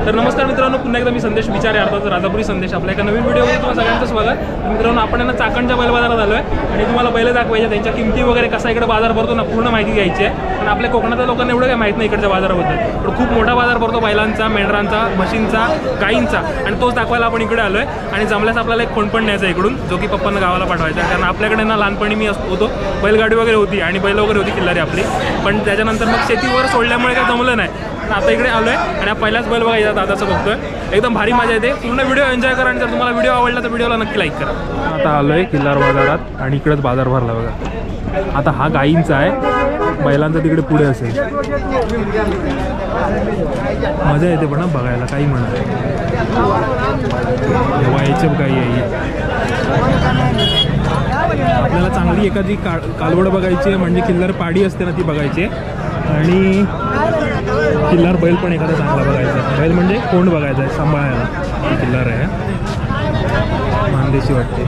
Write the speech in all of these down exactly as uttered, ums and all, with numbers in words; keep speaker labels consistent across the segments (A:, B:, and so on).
A: तर नमस्कार मित्रांनो, पुन्हा एकदा मी संदेश विचारे अर्थात राजापुरी संदेश आपल्या एका नवीन व्हिडिओमध्ये तुम्हाला सगळ्यांचं स्वागत. मित्रांनो, आपण यांना चाकणच्या बैल बाजारात आलो आहे आणि तुम्हाला बैल दाखवायचे, त्यांच्या किमती वगैरे कसा इकडे बाजार भरतो ना पूर्ण माहिती घ्यायची आहे. पण आपल्या कोकणातल्या लोकांना एवढं काही माहीत नाही इकडच्या बाजाराबद्दल, पण खूप मोठा बाजार भरतो बैलांचा, मेंढरांचा, म्हशींचा, गाईंचा, आणि तोच दाखवायला आपण इकडे आलो आहे. आणि जमल्यास आपल्याला एक फोन पण न्यायचा इकडून, जो की पप्पांना गावाला पाठवायचा आहे. कारण आपल्याकडे ना लहानपणी मी होतो, बैलगाडी वगैरे होती आणि बैल वगैरे होती किल्लारी आपली, पण त्याच्यानंतर मग शेतीवर सोडल्यामुळे काही जमलं नाही. आता इकडे आलो आहे आणि पहिलाच बैल बघायचा दादाचं बघतोय. एकदम भारी मजा येते. पूर्ण व्हिडिओ एन्जॉय करा आणि जर तुम्हाला व्हिडिओ आवडला तर व्हिडिओला नक्की लाईक करा. आता आलो आहे किल्लार बाजारात आणि इकडेच बाजार भरला बघा. आता हा गाईंचा आहे, बैलांचा तिकडे पुढे असेल. मजा येते पण बघायला, काही म्हणत वायचे गाई आहे. आपल्याला चांगली एखादी का कालवड बघायची आहे, म्हणजे किल्लार पाडी असते ना ती बघायची आहे. आणि किल्लार बैल पण एखादा चांगला बघायचा. बैल म्हणजे कोंड बघायचा आहे, सांभाळायला. किल्लार आहे, मानदेशी वाटते.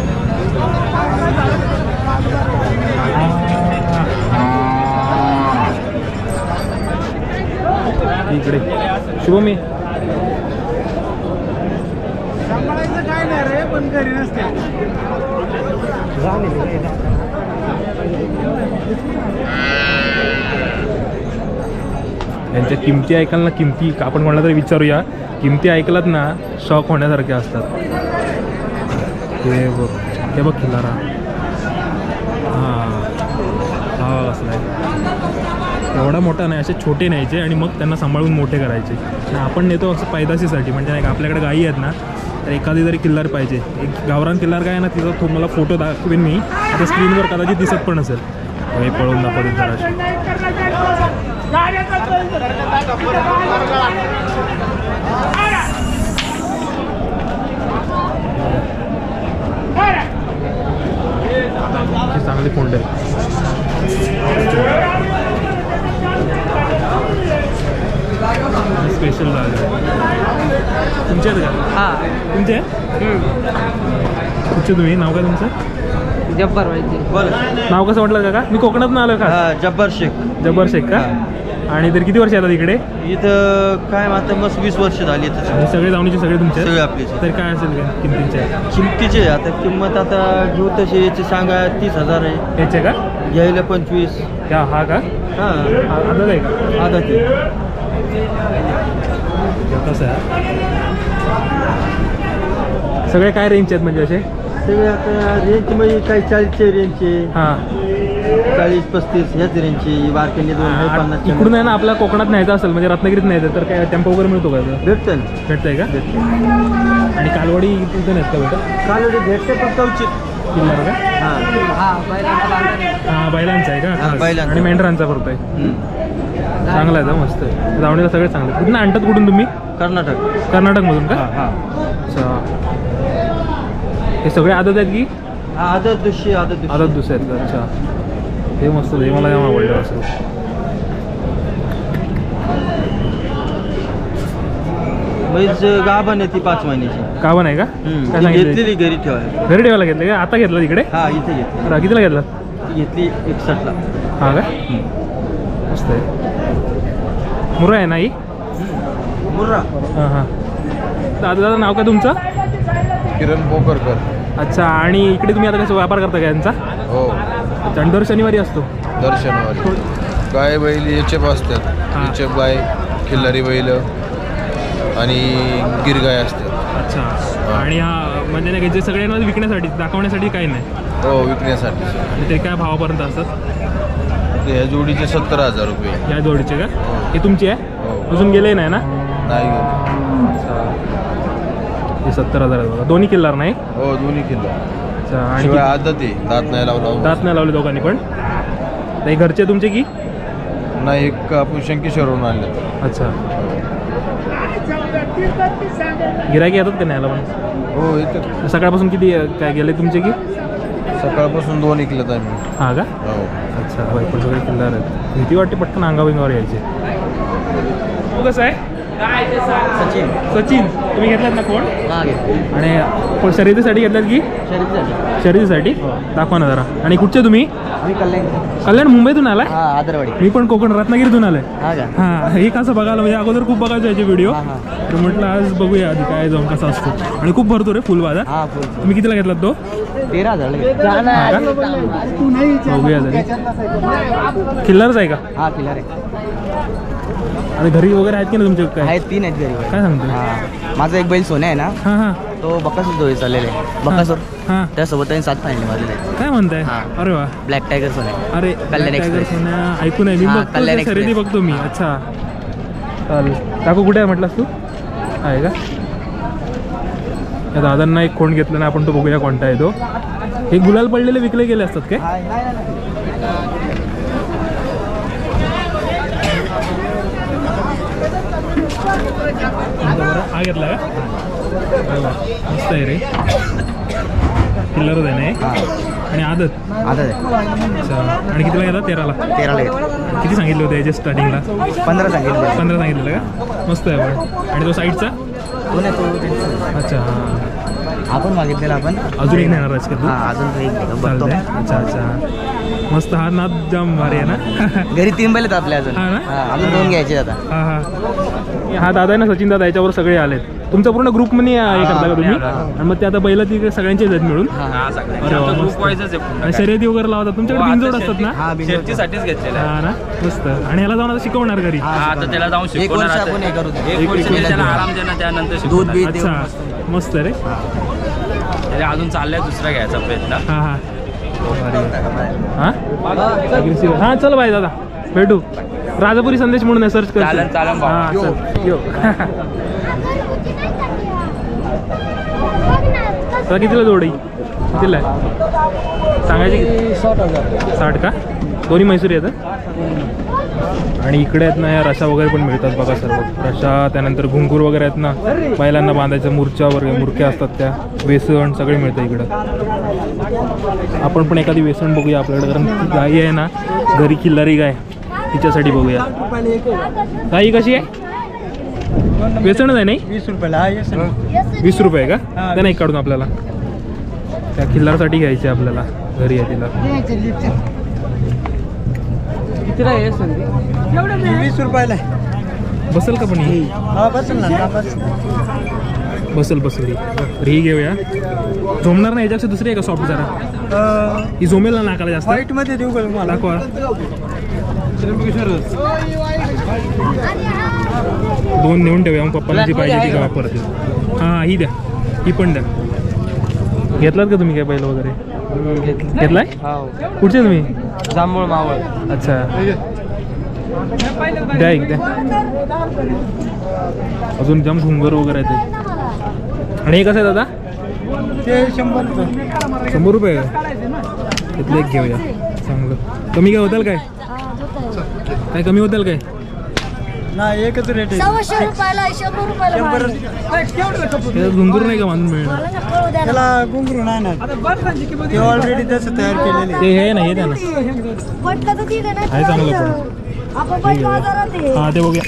A: इकडे शुभमी
B: काय नाही रे, पण घरी नसते.
A: यांच्या किमती ऐकाल ना, किमती आपण कोणाला तरी विचारूया. किमती ऐकलात ना शॉक होण्यासारखे असतात. हे बघ, हे बघ खिलारा. हां हा असला आहे. एवढा मोठा नाही, असे छोटे न्यायचे आणि मग त्यांना सांभाळून मोठे करायचे. आणि आपण नेतो असं पैदाशीसाठी, म्हणजे नाही का आपल्याकडे गायी आहेत ना, तर एखादी तरी किल्लार पाहिजे. एक गावरान किल्लार काय आहे ना, तिचा तो मला फोटो दाखवेन मी, आता स्क्रीनवर कदाचित दिसत पण असेल. हे पळवून दाखवतील जराशी. चांगले कोंड आहे. स्पेशल जागा तुमचे आहेत का?
B: हां,
A: तुमचे कुठचे तुम्ही? नाव काय तुमचं?
B: जब्बार व्हायचे.
A: नाव कसं म्हटलं काका? मी कोकणात आलो का?
C: जब्बार शेख.
A: जब्बार शेख का? आणि तर किती वर्ष येतात इकडे?
C: इथं काय आता मस्त वीस वर्ष झाली.
A: हे सगळे जाऊनचे सगळे तुमचे
C: सगळे आपले.
A: तर काय असेल का किमतींचे?
C: किमतीचे आता किंमत आता घेऊ तशी याची सांगा तीस हजार आहे.
A: याचे का?
C: घ्यायला पंचवीस.
A: क्या हा का?
C: हां,
A: आदत आहे का?
C: आधा ते
A: कसं आहे? सगळे काय रेंजचे आहेत म्हणजे असे?
C: सगळे आता रेंज म्हणजे काही चाळीसचे रेंजचे,
A: हां
C: चाळीस पस्तीस ह्याच रेंजची. बारकेने दोन आहे पन्नास.
A: इकडून आहे ना आपल्या कोकणात न्यायचं असेल, म्हणजे रत्नागिरीत न्यायचं तर काय टेम्पो वगैरे मिळतो का?
C: भेटतं ना,
A: भेटतंय का? आणि कालवडी इथं नाहीत का भेटत?
C: कालवडी भेटते पण कवचित.
A: किल्लार का?
C: हां
B: हां, बैलांचा
A: हां बैलांचा आहे का?
C: हां, बैलांचा.
A: आणि मेंढरांचा करतोय. चांगला आहे, मस्त आहे. धावणीला सगळे चांगले. कुठून आणतात? कुठून तुम्ही?
C: कर्नाटक.
A: कर्नाटकमधून का?
C: हां.
A: अच्छा, हे सगळे आदत आहेत की?
C: हा, आदत दुसरी आदत दुसरी.
A: आदत दुसरे आहेत का? अच्छा, हे मस्त, हे मला जाम आवडलं. असं
C: म्हैस गाभण आहे ती पाच महिन्याची.
A: गाभण आहे का? काय
C: ती
A: सांगितलं?
C: घेतलेली घरी ठेवायला.
A: घरी ठेवायला घेतलं का? आता घेतलं तिकडे?
C: हा, इथे घेतली.
A: बरं, कितीला घेतला?
C: ती घेतली एकसष्टला.
A: हा का? मस्त आहे. मुरा आहे ना ही?
C: मुर्रा.
A: हां हां. दादा दादा नाव काय तुमचं?
D: किरण पोकरकर.
A: अच्छा, आणि इकडे तुम्ही आता कसं व्यापार करता का यांचा?
D: हो,
A: अच्छा, आणि दर शनिवारी असतो?
D: दर शनिवारी. गाय बैल एचएफ असतात.
A: हां.
D: एचएफ गाय, खिल्लारी बैल आणि गिरगाय असतात.
A: अच्छा, आणि हा म्हणजे नाही का जे सगळ्यांना विकण्यासाठी दाखवण्यासाठी काही नाही?
D: हो, विकण्यासाठी.
A: आणि ते काय भावापर्यंत असतात?
D: ते ह्या जोडीचे सत्तर हजार रुपये.
A: या जोडीचे का? हे तुमची आहे?
D: हो.
A: अजून गेले नाही ना?
D: नाही घेत.
A: अच्छा, हे सत्तर हजार आहे बघा. दोन्ही किल्लार नाही?
D: हो, दोन्ही किल्लो.
A: अच्छा, आणि
D: शिवाय
A: किती-
D: आदत आहे, दात नाही लावला.
A: दात नाही लावले दोघांनी पण? नाही, घरचे तुमचे की?
D: नाही, एक आपण शंकेश्वरवरून आणले.
A: अच्छा, गिरायकी येतात का न्यायला पण?
D: हो, इथं
A: सकाळपासून किती काय गेले तुमचे की?
D: सकाळपासून दोन इकलेत आम्ही.
A: हां का?
D: हो.
A: अच्छा, बाई पण सगळे किल्लार आहेत. भीती वाटते पटकन अंगाविंगावर यायचे. तू कसं आहे?
C: सचिन.
A: सचिन तुम्ही घेतलात ना कोण?
C: हा, घेतली.
A: आणि पण शर्यतीसाठी घेतल्यात की शर्यतीसाठी दाखवा ना जरा. आणि कुठचे तुम्ही?
C: मी कल्याण
A: कल्याण मुंबईतून आलाय?
C: हा आदरवाडी.
A: मी पण कोकण रत्नागिरीतून आलोय.
C: हा का?
A: हां हे कसं बघायला म्हणजे अगोदर खूप बघायचो याचे व्हिडिओ,
C: हा, हा.
A: तर म्हटलं आज बघूया आधी काय जाऊन कसा असतो. आणि खूप भरतो रे फुल बाजार.
C: हा फुल
A: तुम्ही कितीला घेतलात तो?
C: तेरा हजार
A: बघूया तरी. किल्लारच आहे का?
C: हा किल्ला रे.
A: आणि घरी वगैरे आहेत की ना तुमचे काय?
C: आहेत तीन आहेत घरी.
A: काय सांगतो?
C: हा माझा एक बैल सोन्या आहे ना,
A: हां हां
C: तो बकासूर जोडी चाललेला आहे. बकासूर
A: हां
C: त्यासोबत त्यांनी सात फायनल मारलेले आहेत.
A: काय म्हणताय?
C: हा.
A: अरे वा.
C: ब्लॅक टायगर सोन्या.
A: अरे
C: कल्याण
A: Black Tiger
C: एक्सप्रेस.
A: सोन्या ऐकून आहे मी.
C: हा,
A: बघतो
C: कल्याण
A: त्या शर्यती
C: एक्सप्रेस.
A: बघतो मी. अच्छा चालेल. काकू कुठे आहे म्हटलास तू? आहे का? या दादांना एक कोण घेतलं ना आपण, तो बघूया कोणता आहे तो. हे गुलाल पडलेले विकले गेले असतात काय? हा घेतला का? अरे वा, मस्त आहे रे. किल्लरच आहे ना हे? आणि आदत.
C: आता आहे
A: अच्छा. आणि कितीला घेतला? तेराला.
C: तेराला घेतला.
A: किती सांगितले होते याच्या स्टार्टिंगला?
C: पंधरा सांगितलं.
A: पंधरा सांगितलेलं का? मस्त आहे पण. आणि तो साईडचा?
C: तो नाही तो त्यांचा.
A: अच्छा हां.
C: आपण मागितलेला आपण.
A: अजून एक नेणार आहेस का तू?
C: हा अजून तो एक घेतो. बघतो.
A: चालतंय. अच्छा अच्छा मस्त. हा नाद जाम भारी आहे ना.
C: घरी तीन बैल आहेत आपल्या अजून.
A: हा ना?
C: हा, अजून दोन घ्यायचे आता.
A: हां हां. हा दादा आहे ना, सचिन दादा, याच्यावर सगळे आलेत. तुमचा पूर्ण ग्रुप मध्ये हे करता का तुम्ही? आणि मग ते आता बैल ती सगळ्यांचे आहेत मिळून. अरे वा, मस्त. आणि शर्यती वगैरे लावतात तुमच्याकडे? बिनजोड असतात ना?
C: हा बिनजोड.
E: साठीच घेतलेला
A: हा ना, मस्त. आणि ह्याला जाऊन आता शिकवणार घरी?
C: हा,
E: आता त्याला जाऊन
C: एक वर्ष
E: शिकवणार.
C: आपण हे करू.
E: एक वर्ष
A: एक-
E: त्याला आराम देणार, त्यानंतर
C: दूध
E: शिकवणार.
C: बीत
A: अच्छा
C: देऊन
A: मस्त रे.
E: त्याला अजून चाललाय दुसरा घ्यायचा प्रयत्न.
A: हां हां हां अग्रेसिव्ह. हां चल बाय दादा, भेटू. राजापुरी संदेश म्हणून आहे, सर्च कर.
E: चालेल, चालेल भाऊ.
A: हां चल यो. तर कितीला जोडी? कितीला आहे सांगायची? किती?
B: साठ हजार
A: साठ का? दोन्ही म्हैसूर येतं. आणि इकडे आहेत ना या रशा वगैरे पण मिळतात बघा सर्व. रशा, त्यानंतर घुंगूर वगैरे आहेत ना, बैलांना बांधायचं, मुरच्या वगैरे मुरक्या असतात त्या, वेसण सगळे मिळतं इकडं. आपण पण एखादी वेसण बघूया आपल्याकडे, कारण ती गाई आहे ना घरी, किल्लारी गाय, तिच्यासाठी बघूया. गाई कशी आहे? वेसणच आहे नाही?
B: वीस रुपयाला.
A: वीस रुपये का? त्या नाही काढून आपल्याला, त्या किल्लारसाठी घ्यायची आपल्याला, घरी आहे तिला.
B: कितीला आहे वीस रुपयाला.
A: बसेल का पण ही?
B: हा बसेल ना.
A: बसेल बसेल ही. तर ही घेऊया. झोमणार नाही याच्यापेक्षा दुसरी आहे का सॉफ्ट जरा? ही झोमेल ना नाकाला जास्त?
B: व्हाईट मध्ये देऊ का मला?
A: दाखवा. दोन नेऊन ठेवूया, मग पप्पाला जी पाहिजे ती का वापरते. हां ही द्या, ही पण द्या. घेतलात का तुम्ही काय पहिलं वगैरे? घेतलाय? कुठचे तुम्ही?
B: जांभूळ मावळ.
A: अच्छा द्या एक द्या. अजून जाम घुंगर वगैरे आहे ते. आणि हे कसं आहे दादा?
B: ते शंभर रुपये.
A: शंभर रुपये का? तिथलं एक घेऊया चांगलं. कमी काय होतील काय? काय कमी होतील काय?
B: नाही एकच रेट आहे.
F: सव्वाशे रुपयाला शंभर रुपयाला
B: शंभर.
A: त्याच्यात घुंगूर नाही का बांधून मिळणार?
B: त्याला घुंगरू नाही ना, ते ऑलरेडी तसं तयार केलेले.
A: ते हे ना, हे द्या ना.
F: पटकाचं ठीक आहे
A: आहे चांगलं पण.
F: ना आपण पण बाजारात आहे.
A: हां ते बघूया.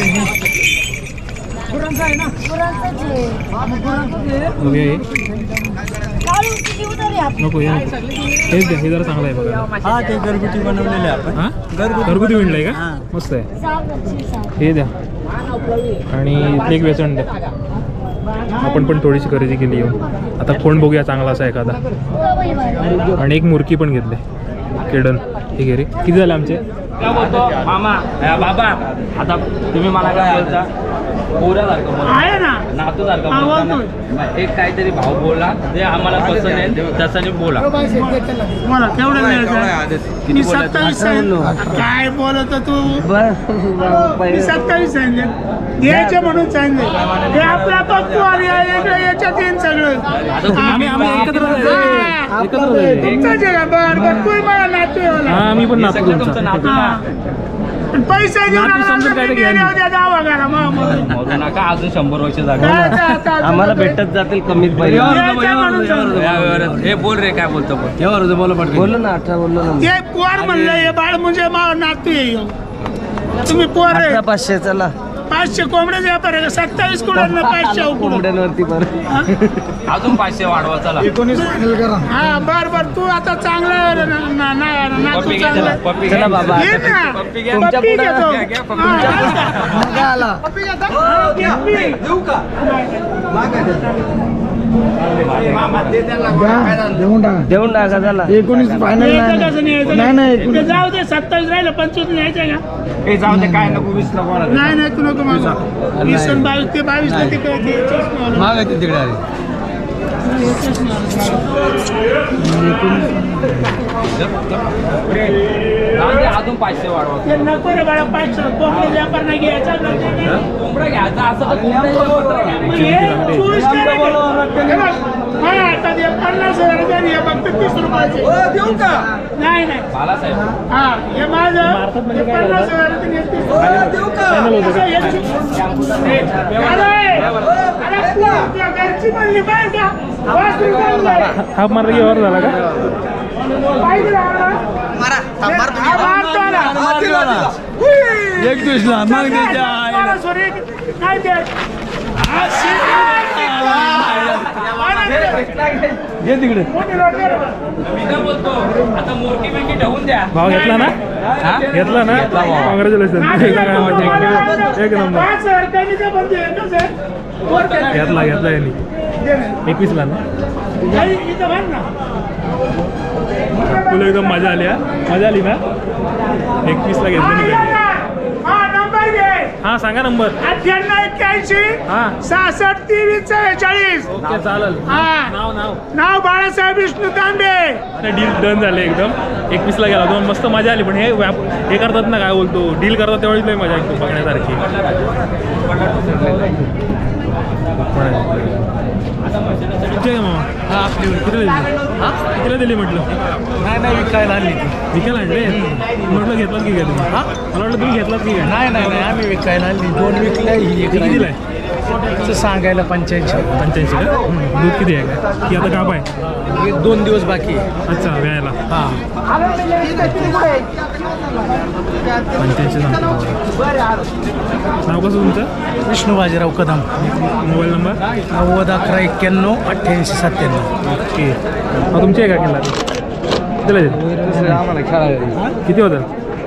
F: गुरांचं जे.
A: बघूया हे.
F: काढू किती उतारे आपण?
A: नको हे नको. हेच द्या, हे जरा चांगलं आहे बघा.
B: हा ते घरगुती बनवलेले आपण.
A: हां
B: घरगुती
A: घरगुती विणलं आहे का?
B: हां.
A: मस्त आहे.
F: सावकाशची साव.
A: हे द्या. आणि इथले एक वेसण द्या. आपण पण थोडीशी खरेदी केली येऊन. आता कोण बघूया चांगला असा एखादा.
F: सवय बाई.
A: आणि एक मुरकी पण घेतले, केडन. हे घे रे. किती झाले आमचे?
E: काय बोलतो मामा? अ, बाबा आता तुम्ही मला काय बोलता? पोऱ्यासारखं बोला, नातूसारखं बोलता ना. एक काहीतरी भाव बोला, जे आम्हाला पसंत आहे तसाने बोला.
B: मला केवढं मिळायचं? मी सत्तावीस काय बोलत तू? मी सत्तावीस सांगितले, घ्यायचे म्हणून सांगितले. हे आपला पप्पू आणि याच्यात येईन सगळं.
A: आम्ही आम्ही एकत्र जायचं. एकत्र जायचं.
B: तुमचं जे आहे, बरं बरं तू मला नातू आहे मला.
A: हां मी पण
E: हे
A: नातू
E: सगळं
A: तुमचा.
E: तुमचं नातू ना.
B: पैसे देऊन
A: नातू समजून काय ते घ्या.
B: दावा करा मग
E: मोजू नका, अजून शंभर वर्ष जागा.
C: आम्हाला भेटत जातील कमीत पहिले.
E: हे बोल रे, काय बोलतो बोल.
C: बोललो ना अठरा बोललो ना.
B: ते पोर म्हणलं हे बाळ म्हणजे मा नातू आहे ह्यो. तुम्ही पोर आहे.
C: अठरा पाचशे चला.
B: पाचशे कोंबड्याचे व्यापार आहे सत्तावीस कोंबड्यांना पाचशे उकडून
C: कोंबड्यांवरती बरं
E: अजून पाचशे वाढवा चला
B: हा बर बर तू आता चांगला आहे रे, ना- ना- ना- ना-
E: पप्पी
B: तू
E: घ्या
B: चांगला
E: चला,
B: आहे.
E: पप्पी
C: चला
E: घ्या.
C: बाबा
B: घे ना.
E: पप्पी घ्या.
C: तुमच्या
B: पप्पी
C: पुढं-
B: घेतो.
E: घ्या, घ्या, पप्पी
B: हा,
E: घ्या.
B: हा.
C: मग काय आला
B: पप्पी घेता? हा, पप्पी.
C: देऊन टाका चला
B: एकोणीस फायनल नाही नाही ते जाऊ दे सत्तावीस राहिलं पंचवीस न्यायचं का
E: ए, जाऊ दे काय नको वीस नको मला.
B: नाही नाही तू नको माझा वीस आणि बावीस ते बावीस ला तिकडे ते चष्मा
D: महाग आहे तिकडे आले
E: जाऊ दे, अजून पाचशे वाढवा.
B: ते नको रे बाळा पाचशे कोंबडी व्यापार नाही घ्यायचा
E: कोंबडा घ्यायचा असं तर कोंबड्याचं पत्र घ्या.
B: मग हे चोवीस कॅरेट आहे. हे बघ, हा, आता ते पन्नास हजार रुपये हे फक्त तीस रुपयाचे नाही नाही
E: बालासाहेब
B: हा हे माझं हे पन्नास हजार रुपये हे तीस रुपये. असं हे चु- हे, अरे, अरे, तू त्या घरची म्हणली पाहिजे का? पाच रुपये
A: हाफ मारला की वर झाला का
B: पाहिजे ना आम्हाला? हा, मारतो ना.
D: एक दिवसला मग
B: मला सोरी नाही ते. हा,
D: घे तिकडे
B: मोठी लोट दे रे बा.
E: मी काय बोलतो आता मोठी बिंकी ठेवून द्या.
A: भाव घेतला ना घेतला ना कॉंग्रॅच्युलेशन एक नंबर
B: पाच हजार कमी ते बंदी आहे ना सर? वर केलं.
A: घेतला घेतला यांनी
B: दे ना.
A: एकवीसला ना
B: नाही, इथं बांध ना.
A: तुला एकदम मजा आली हा मजा आली ना एकवीसला घेतलं
B: हा,
A: मी
B: या ना. हा, नंबर घे.
A: हा सांगा नंबर
B: अठ्ठ्याण्णव एक्क्याऐंशी
A: हा
B: सहासष्ट तेवीस चव्वेचाळीस
A: ओके चालेल
B: हा
A: नाव नाव
B: नाव बाळासाहेब विष्णू तांबे.
A: अरे डील डन झाले एकदम एकवीसला गेला दोन मस्त मजा आली पण हे व्याप हे करतात ना काय बोलतो डील करतात तेवढीच लई मजा येतो बघण्यासारखी किती आहे मामा हा आपली किती दिली हा कितीला दिली म्हटलं
D: नाही नाही विकायला आणली ती
A: विकायला आणले म्हटलं घेतलात की काय तुम्ही हा मला वाटलं तुम्ही घेतलात की काय
D: नाही नाही नाही आम्ही विकायला आणली दोन विकल्या ही एक
A: किती दिलाय
D: राहिली. सांगायला पंच्याऐंशी
A: पंच्याऐंशी का दूध किती आहे का की आता गाभ आहे
D: एक दोन दिवस बाकी आहे
A: अच्छा व्यायला
D: हा
A: पंच्याऐंशी सांगतो नाव कसं तुमचं
D: विष्णू बाजीराव कदम
A: मोबाईल नंबर
D: नव्वद अकरा एक्क्याण्णव अठ्ठ्याऐंशी सत्त्याण्णव
A: ओके मग तुमची आहे का किल्ला कितीला दिली
C: आम्हाला खेळायला
A: किती होतं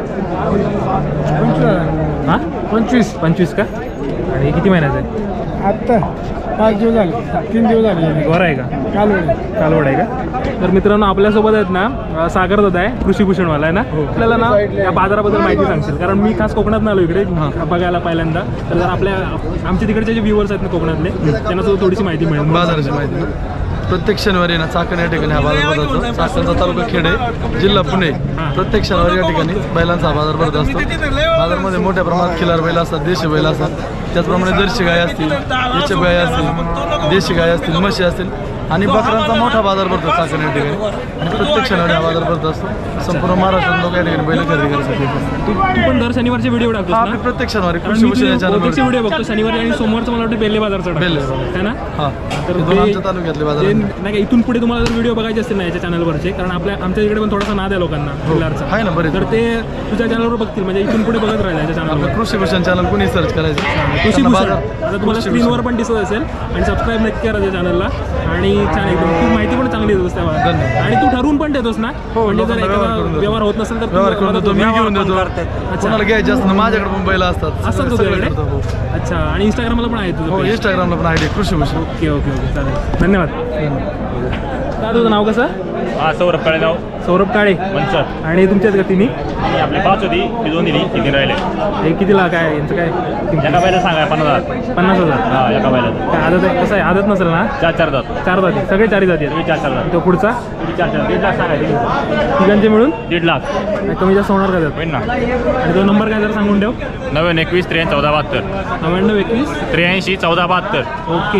A: हां
B: पंचवीस
A: पंचवीस का आणि किती महिन्याचं आहे
B: आत्ता पाच दिवस झाले तीन दिवस झाले
A: वर आहे का
B: कालवड
A: कालवड आहे का तर मित्रांनो आपल्यासोबत आहेत ना अं, सागर दादा आहे कृषी भूषणवाला आहे ना आपल्याला ना या बाजाराबद्दल माहिती सांगशील कारण मी खास कोकणात आलो इकडे बघायला पहिल्यांदा तर जर आपल्या आमच्या तिकडचे जे व्ह्युअर्स आहेत ना कोकणातले त्यांना सुद्धा थोडीशी माहिती मिळेल
G: बाजाराची माहिती ना प्रत्येक शनिवारी ना चाकण या ठिकाणी हा बाजार भरतो चाकणचा तालुका खेड आहे जिल्हा पुणे प्रत्येक शनिवारी या ठिकाणी बैलांचा हा बाजार भरत असतो बाजारामध्ये मोठ्या प्रमाणात खिलार बैल असतात देशी बैल असतात त्याचप्रमाणे जर्सी गाय असतील देशी गाय असतील देशी गाय असतील म्हशी असतील आणि बकरांचा मोठा बाजार भरतो चाकण या ठिकाणी आणि प्रत्येक शनिवारी हा बाजार भरत असतो संपूर्ण महाराष्ट्रात लोक या ठिकाणी बैल खरेदी करण्यासाठी येतात.
A: तू तू पण दर शनिवारचे व्हिडिओ
G: हा
A: टाकतोस
G: आपली
A: ना
G: प्रत्येक शनिवारी
A: कारण
G: कृषी
A: मी
G: भूषण या
A: तुझे बहुतेकचे
G: चॅनलवर
A: व्हिडिओ बघतो शनिवारी आणि सोमवारचं मला वाटतं बेल्ले बाजारचा
G: बेल्ले
A: टाकतो है ना
G: हा
A: तर
G: हे दोन
A: ते-
G: आमच्या तालुक्यातले बाजार
A: ते
G: आहेत.
A: नाही का इथून पुढे तुम्हाला जर व्हिडिओ बघायचे असतील ना याच्या चॅनलवरचे कारण आपल्या आमच्या इकडे पण थोडासा नाद आहे लोकांना किल्लारचा
G: आहे ना बरेच
A: तर ते तुझ्या चॅनलवर बघतील म्हणजे इथून पुढे बघत राहिले याच्या
G: आपलं
A: चॅनलवर
G: कृषी भूषण चॅनल कोणी सर्च करायचं
A: कृषी
G: त्यांना
A: भूषण
G: बाजार-
A: आता तुम्हाला
G: कृषी
A: स्क्रीनवर
G: भूषण.
A: पण दिसत असेल आणि सबस्क्राईब नक्की करा त्या चॅनलला आणि छान एकदम तू माहिती पण चांगली देतोस त्या
G: धन्यवाद.
A: आणि तू ठरवून पण देतोस ना
G: हो,
A: म्हणजे जर
G: लोकांना व्यवहार
A: एखादा
G: करून देतो.
A: व्यवहार होत नसेल तर तू
G: व्यवहार करून
A: मदत
G: देतो मी
A: होते.
G: घेऊन देतो
A: अच्छा
G: कोणाला घ्यायचे असतं माझ्याकडे पण बैल असतात
A: असतात
G: सगळं-
A: तुझ्याकडे
G: सगळं करतो, हो.
A: अच्छा आणि इंस्टाग्रामला पण आहे तुझं
G: हो
A: page?
G: इंस्टाग्रामला पण आहे कृषी भूषण
A: ओके ओके ओके चालेल धन्यवाद काय तुझं नाव कसं
H: हा सौरभ काळेगाव
A: सौरभ काळे
H: पंचर
A: आणि तुमच्यात का तिन्ही
H: आणि आपले पाच होती ती दोन दिली ती तीन राहिले
A: हे कितीला काय यांचं काय किंमत?
H: एका बायला सांगा पन्नास हजार
A: पन्नास हजार
H: हा एका बायला
A: काय आदत आहे कसं आहे आदत नसेल ना
H: चार चार जात
A: चार जाती सगळे चारी जाती
H: तुम्ही
A: आहेत
H: चार चार जात
A: तो पुढचा
H: तुम्ही चार चार दीड लाख सांगायचे
A: तिघांचे मिळून
H: दीड लाख
A: नाही, कमी जास्त होणार का त्यात
H: होईल ना
A: आणि तो नंबर काय जर सांगून ठेव
H: नव्याण्णव एकवीस त्र्याऐंशी चौदा बहात्तर
A: नव्याण्णव एकवीस
H: त्र्याऐंशी चौदा बहात्तर
A: ओके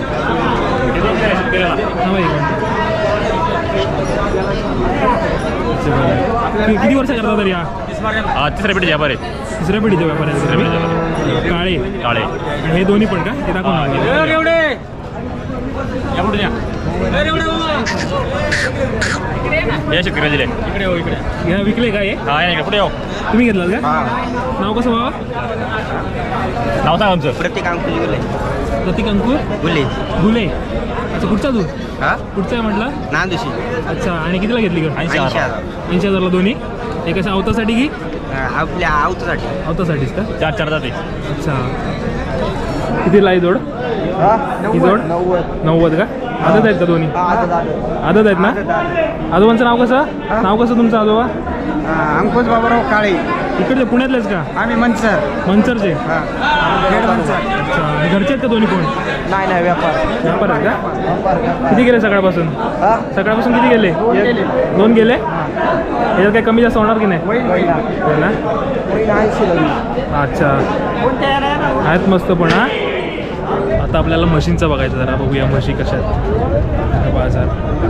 A: थांबा एक मिनिट. कि- किती वर्ष करता तरी हा
H: हा तिसऱ्या पेटी व्यापार आहे
A: तिसऱ्या पिढीचे व्यापार आहे
H: तिसऱ्या पिढीचे व्यापार
A: काळे
H: काळे
A: आणि हे दोन्ही पण का हे दाखव ना.
H: या कुठे या या शेतकऱ्याला दिले
A: इकडे हो इकडे घ्या विकले का हे
H: हा या इकडे पुढे येऊ
A: तुम्ही घेतलात का नाव कसं बाबा
H: नाव सांग आमचं
C: प्रत्येक अंकुश गेले
A: प्रतीक अंकुर
C: गुले
A: गुले अच्छा कुठचा तू
C: हा
A: कुठचा आहे म्हटलं
C: नांदुशी
A: अच्छा आणि कितीला घेतली का
C: ऐंशी हजार
A: ऐंशी हजारला दोन्ही हे कसं अवतासाठी की
C: आपल्या आवतासाठी
A: अवतासाठीच का
H: चार चार जाते
A: अच्छा कितीला आहे जोड ही जोड
C: नव्वद
A: नव्वद का आदत आहेत का दोन्ही आदत आहेत ना आजोबांचं नाव कसं नाव कसं तुमचं आजोबा
C: अंकुश बाबाराव काळे
A: इकडले पुण्यातलेच का
C: आम्ही मनसर
A: मनसरचे
C: मनसर
A: अच्छा आणि घरचे आहेत का दोन्ही कोण
C: नाही नाही व्यापार
A: व्यापार आहेत का किती गेले सकाळपासून सकाळपासून किती गेले दोन गेले याच्यात काही कमी जास्त होणार की नाही हो ना अच्छा आहेत मस्त पण हा आता आपल्याला मशीनचं बघायचं जरा बघूया म्हशी कशा आहेत बाजार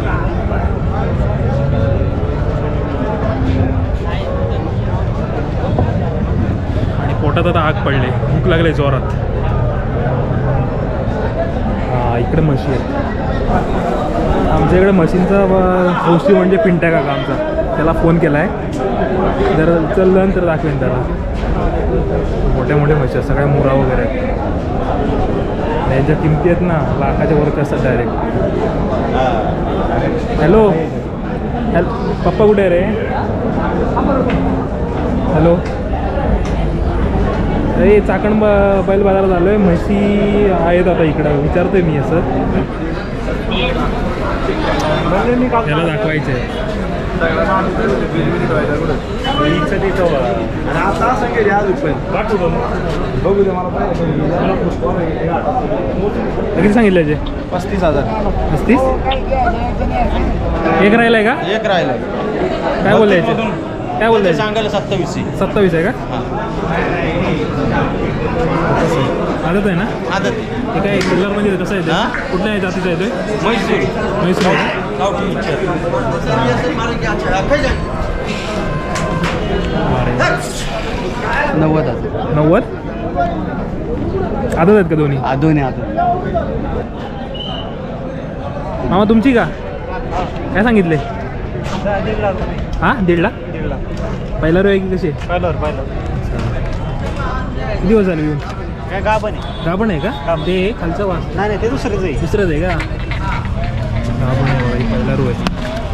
A: आणि पोटात आता आग पडले भूक लागले जोरात हा इकडे म्हशी आहेत आमच्या इकडे मशीनचा हौशी म्हणजे पिंट्या काका आमचा त्याला फोन केला आहे जर चललं तर दाखवेन त्याला मोठ्या मोठ्या म्हशी आहेत सगळ्या मुरा वगैरे आहेत आणि यांच्या किमती आहेत ना लाखाच्या वरती असतात डायरेक्ट हॅलो हॅल पप्पा कुठे आहे रे हॅलो अरे चाकण ब बैल बाजारात आलो आहे म्हशी आहेत आता इकडं विचारतोय मी असं त्याला दाखवायचं आहे किती सांगितलं याचे
D: पस्तीस हजार
A: पस्तीस एक राहिलं आहे का
D: एक राहिलं
A: काय बोललं याचे काय बोललं
D: सांगायला सत्तावीस
A: सत्तावीस आहे का आदत आहे ना
D: आदत
A: ते काय किल्लरमध्ये कसं आहे ते कुठल्या जातीचं आहे ते
D: म्हैसूर
A: म्हैसूर आहे
C: नव्वद हजार
A: नव्वद आदत आहेत का दोन्ही
C: दोन्ही आता
A: मामा तुमची का काय सांगितले हां दीड लाख पहिला रो आहे की कशी
C: पहिल्यावर पहिलं
A: किती दिवस झाले येऊन
C: काय गाभण आहे
A: गाभण आहे का ते खालचं वास
C: नाही नाही ते दुसरंच आहे
A: दुसरंच आहे का गाभण आहे बघा ही पहिला रो आहे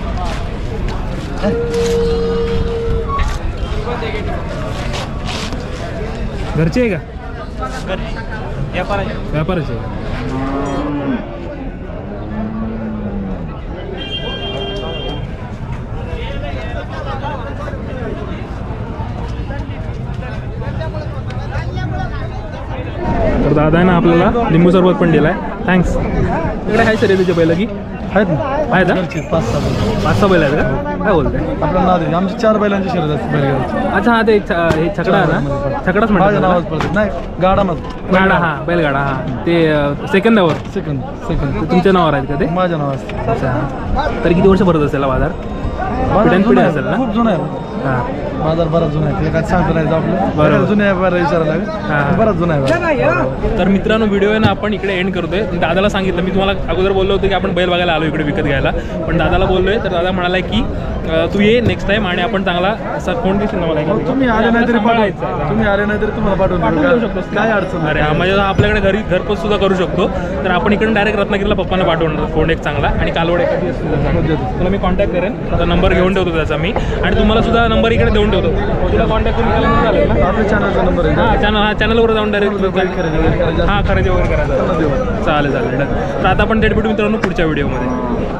A: घरचे आहे का व्यापाराचे आहे का तर दादा ना आपल्याला लिंबू सरबत पण दिला आहे थँक्स इकडे आहे सर तुझ्या पहिलं की
G: आहेत ना
A: आहेत ना
G: पाच सहा बैल
A: पाच सहा बैल आहेत का काय बोलताय
G: आपल्याला नाव दे आमची चार बैलांची शर्यत असते बैलगाडीची
A: अच्छा हा ते छ- हे छकडा आहे ना छकडाच
G: माझ्या
A: म्हणतात
G: नावात
A: ना?
G: पडते नाही गाडामध्ये
A: गाडा हा बैलगाडा हा ते सेकंदावर
G: सेकंद सेकंद
A: तुमच्या नावावर आहेत का ते
G: माझ्या नाव असते
A: अच्छा तर किती वर्ष भरत असेल हा बाजार
G: बाजार
A: पिढ्यानपिढ्या
G: जुना आहे,
A: असेल ना?
G: खूप जुना आहे
A: हां
G: बाजार बराच जुना आहे ते काय सांगता नाही येत आपलं बरं जुने आहे बरं विचारायला
A: हा.
G: लागेल बराच जुना आहे
A: तर मित्रांनो व्हिडिओ आहे ना आपण इकडे एंड करतोय दादाला सांगितलं मी तुम्हाला अगोदर बोललो होतो की आपण बैल बघायला आलो इकडे विकत घ्यायला पण दादाला बोललोय तर दादा म्हणाला की अं, तू ये नेक्स्ट टाइम आणि आपण चांगला असा कोण दिसेल ना मला
G: मग तुम्ही आले नाही तरी पाठवायचं तुम्ही आले नाही तरी तुम्हाला पाठवून
A: पाठवून
G: देऊ
A: देऊ
G: का?
A: शकतो
G: काय अडचण
A: अरे
G: नाही.
A: हा म्हणजे आपल्याकडे घरी घरपोच सुद्धा करू शकतो तर आपण इकडून डायरेक्ट रत्नागिरीला पप्पांना पाठवणार फोन एक चांगला आणि कालवड एखादी असतील तर चांगला. तुला मी कॉन्टॅक्ट करेन आता नंबर घेऊन ठेवतो त्याचा मी आणि तुम्हाला सुद्धा नंबर इकडे देऊन ठेवतो तुला कॉन्टॅक्ट करून केला तर चालेल ना
G: आपल्या चॅनलचा नंबर आहे
A: हां चॅनल हा चॅनलवर जाऊन डायरेक्ट
G: खरेदी वगैरे करायची
A: हां खरेदी वगैरे करायचं
G: देऊ.
A: चालेल चालेल तर आता आपण थेट भेटू मित्रांनो पुढच्या व्हिडिओमध्ये